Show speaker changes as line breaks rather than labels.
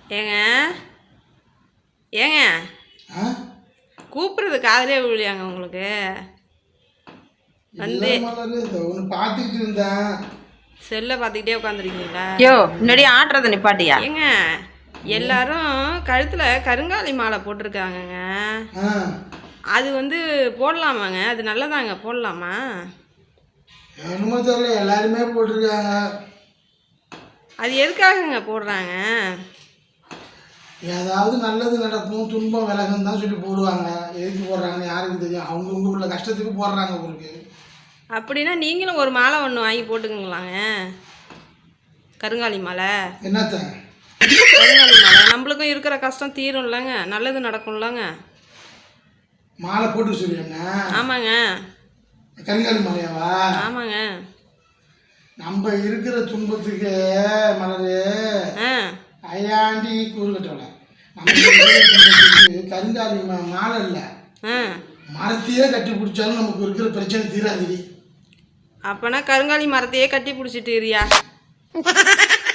ஏங்க ஏங்க கூப்பிட்றது காதலே விழியாங்க உங்களுக்கு வந்து
பார்த்துக்கிட்டு இருந்தேன்.
செல்லை பார்த்துக்கிட்டே உட்காந்துருக்கீங்களா?
யோ முன்னாடி ஆட்டுறத நிப்பாட்டியா?
ஏங்க எல்லாரும் கழுத்தில் கருங்காலி மாலை போட்டிருக்காங்கங்க. அது வந்து போடலாமாங்க? அது நல்லதாங்க, போடலாமா?
என்னமோ தெரியல, எல்லாருமே போட்டிருக்காங்க.
அது எதுக்காகங்க போடுறாங்க?
ஏதாவது நல்லது நடக்கும், துன்பம் விலகும் தான் சொல்லி போடுவாங்க. எதுக்கு போடுறாங்கன்னு யாருக்கு தெரியும்? அவங்க உள்ள கஷ்டத்துக்கு போடுறாங்க உங்களுக்கு.
அப்படின்னா நீங்களும் ஒரு மாலை ஒன்று வாங்கி போட்டுக்குங்களாங்க. கருங்காலி மாலை.
என்னத்த
கருங்காலி மாலை நம்மளுக்கும் இருக்கிற கஷ்டம் தீரும் இல்லைங்க, நல்லது நடக்கும்லங்க.
மாலை போட்டு சொல்லுங்க.
ஆமாங்க.
கருங்காலி மாலையாவா?
ஆமாங்க.
நம்ம இருக்கிற துன்பத்துக்கு மலரு ஐயாண்டி கூறு கட்டலை. நம்ம கருங்காலி மாலை இல்லை, மரத்தையே கட்டி பிடிச்சாலும் நமக்கு இருக்கிற பிரச்சனை தீராதிரி.
அப்போனா கருங்காலி மரத்தையே கட்டி பிடிச்சிட்டு இருயா.